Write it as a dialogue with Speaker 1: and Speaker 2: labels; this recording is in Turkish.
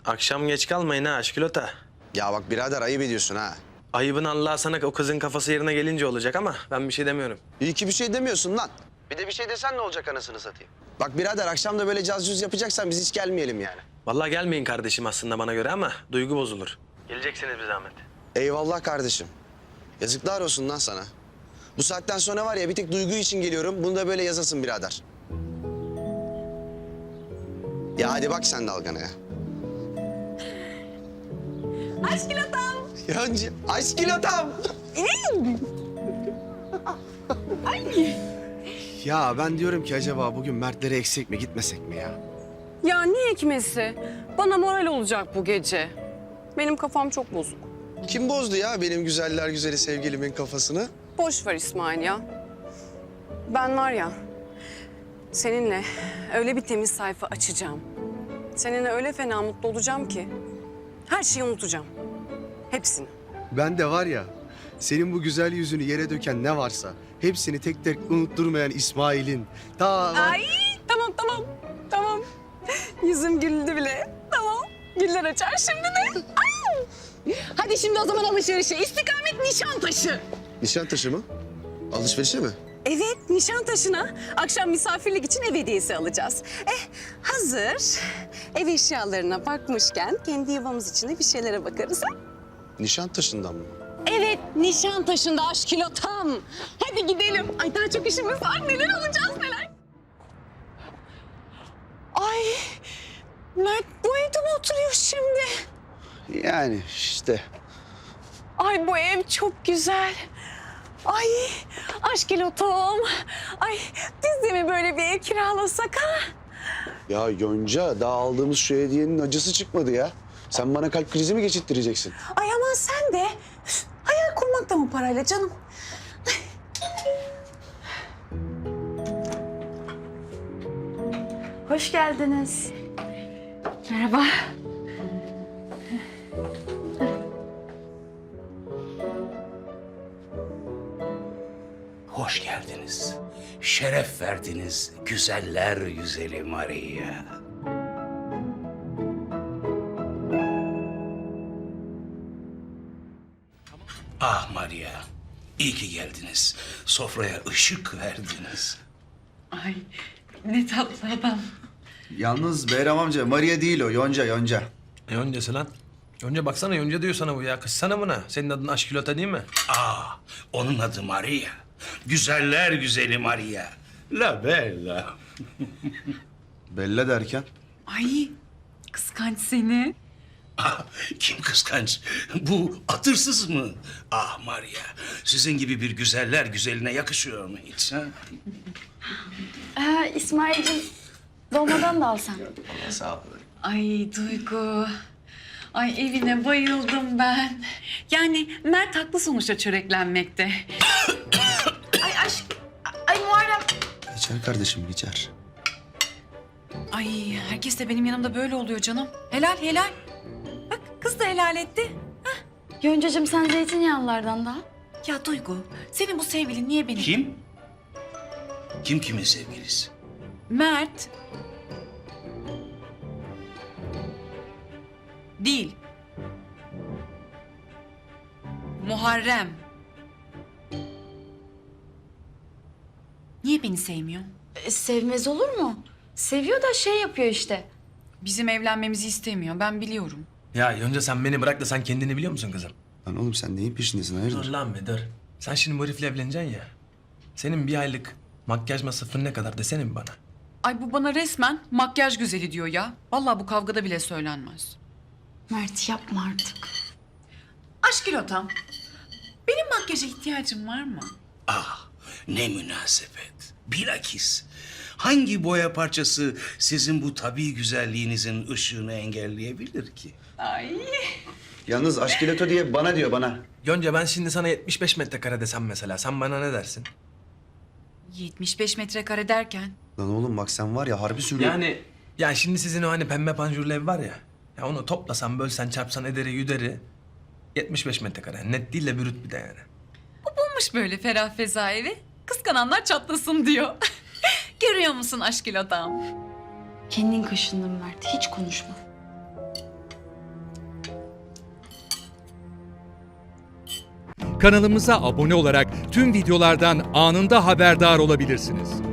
Speaker 1: Akşam geç kalmayın ha aşkülota.
Speaker 2: Ya bak birader ayıp ediyorsun ha.
Speaker 1: Ayıbın Allah sana o kızın kafası yerine gelince olacak ama ben bir şey demiyorum.
Speaker 2: İyi ki bir şey demiyorsun lan. Bir de bir şey desen ne olacak anasını satayım. Bak birader akşam da böyle caz cüz yapacaksan biz hiç gelmeyelim yani.
Speaker 1: Vallahi gelmeyin kardeşim aslında bana göre ama duygu bozulur. Geleceksiniz bir zahmet.
Speaker 2: Eyvallah kardeşim. Yazıklar olsun lan sana. Bu saatten sonra var ya bir tek duygu için geliyorum. Bunu da böyle yazasın birader. Ya hadi bak sen dalgana ya.
Speaker 3: Aşkilotam.
Speaker 2: Yonca, aşkilotam. Ya ben diyorum ki acaba bugün Mert'lere eksik mi gitmesek mi ya?
Speaker 3: Ya ne ekmesi? Bana moral olacak bu gece. Benim kafam çok bozuk.
Speaker 2: Kim bozdu ya benim güzeller güzeli sevgilimin kafasını?
Speaker 3: Boş ver İsmail ya. Ben var ya, seninle öyle bir temiz sayfa açacağım. Seninle öyle fena mutlu olacağım ki her şeyi unutacağım. Hepsini.
Speaker 2: Ben de var ya, senin bu güzel yüzünü yere döken ne varsa hepsini tek tek unutturmayan İsmail'in.
Speaker 3: Ay tamam. Yüzüm güldü bile. Tamam. Güller açar şimdi de. Ay! Hadi şimdi o zaman alışverişe. İstikamet Nişantaşı.
Speaker 2: Nişantaşı mı? Alışverişe mi?
Speaker 3: Evet, Nişantaşı'na akşam misafirlik için ev hediyesi alacağız. Hazır ev eşyalarına bakmışken kendi yuvamız için de bir şeylere bakarız ha?
Speaker 2: Nişantaşı'ndan mı?
Speaker 3: Evet, Nişantaşı'nda aşkilotam. Hadi gidelim. Ay daha çok işimiz var. Neler alacağız neler. Ay, Mert bu evde mi oturuyor şimdi?
Speaker 2: Yani işte.
Speaker 3: Ay bu ev çok güzel. Ay aşkilotom. Ay biz de mi böyle bir ev kiralasak ha?
Speaker 2: Ya Yonca daha aldığımız şu hediyenin acısı çıkmadı ya. Sen bana kalp krizi mi geçirttireceksin?
Speaker 3: Ay aman sen de. Hayal kurmak da mı parayla canım?
Speaker 4: Hoş geldiniz. Merhaba.
Speaker 5: Hoş geldiniz. Şeref verdiniz güzeller güzeli Maria. Ah Maria, iyi ki geldiniz. Sofraya ışık verdiniz.
Speaker 6: Ay ne tatlı adam.
Speaker 7: Yalnız Behram amca Maria değil o, Yonca, Yonca.
Speaker 1: Yoncası lan. Yonca baksana Yonca diyor sana bu ya. Kızsana buna. Senin adın aşkülota değil mi?
Speaker 5: Ah, onun adı Maria. Güzeller güzeli Maria. La bella.
Speaker 7: Bella derken?
Speaker 6: Ay kıskanç seni.
Speaker 5: Ah, kim kıskanç? Bu atırsız mı? Ah Maria, sizin gibi bir güzeller güzeline yakışıyor mu hiç? Ha?
Speaker 4: İsmail'cim dolmadan da alsan.
Speaker 7: Sağ ol.
Speaker 6: Ay Duygu. Ay evine bayıldım ben. Yani Mert haklı sonuçta çöreklenmekte.
Speaker 4: Ay Muharrem.
Speaker 7: Geçer kardeşim, geçer.
Speaker 6: Ay herkes de benim yanımda böyle oluyor canım. Helal helal. Bak kız da helal etti.
Speaker 4: Yoncacığım sen zeytinyağlılardan da.
Speaker 6: Ya Duygu senin bu sevgilin niye benim?
Speaker 5: Kim? Kim kimin sevgilisi?
Speaker 6: Mert. Değil. Muharrem. Niye beni sevmiyor?
Speaker 4: Sevmez olur mu? Seviyor da şey yapıyor işte.
Speaker 6: Bizim evlenmemizi istemiyor. Ben biliyorum.
Speaker 1: Ya Yonca sen beni bırak da sen kendini biliyor musun kızım?
Speaker 7: Lan oğlum sen neyin peşindesin,
Speaker 1: Dur
Speaker 7: hayırdır?
Speaker 1: lan be dur. Sen şimdi bu herifle evleneceksin ya. Senin bir aylık makyaj masrafın ne kadar desene mi bana?
Speaker 6: Ay bu bana resmen makyaj güzeli diyor ya. Vallahi bu kavgada bile söylenmez.
Speaker 4: Mert yapma artık.
Speaker 6: Aşkilotam. Benim makyaja ihtiyacım var mı?
Speaker 5: Ah, ne münasebet. Bilakis hangi boya parçası sizin bu tabii güzelliğinizin ışığını engelleyebilir ki?
Speaker 6: Ay.
Speaker 7: Yalnız aşkileto diye bana diyor, bana.
Speaker 1: Yonca ben şimdi sana 75 metrekare desem mesela. Sen bana ne dersin?
Speaker 6: 75 metrekare derken?
Speaker 7: Lan oğlum bak sen var ya harbi sürüyor.
Speaker 1: Yani şimdi sizin o hani pembe panjurlu ev var ya. Ya onu toplasan, bölsen, çarpsan ederi yüderi 75 metrekare. Net değil de brüt bir de yani.
Speaker 6: Bu bulmuş böyle ferah feza evi. Kıskananlar çatlasın diyor. Görüyor musun aşkilotam?
Speaker 4: Kendin kaşındın Mert. Hiç konuşma.
Speaker 8: Kanalımıza abone olarak tüm videolardan anında haberdar olabilirsiniz.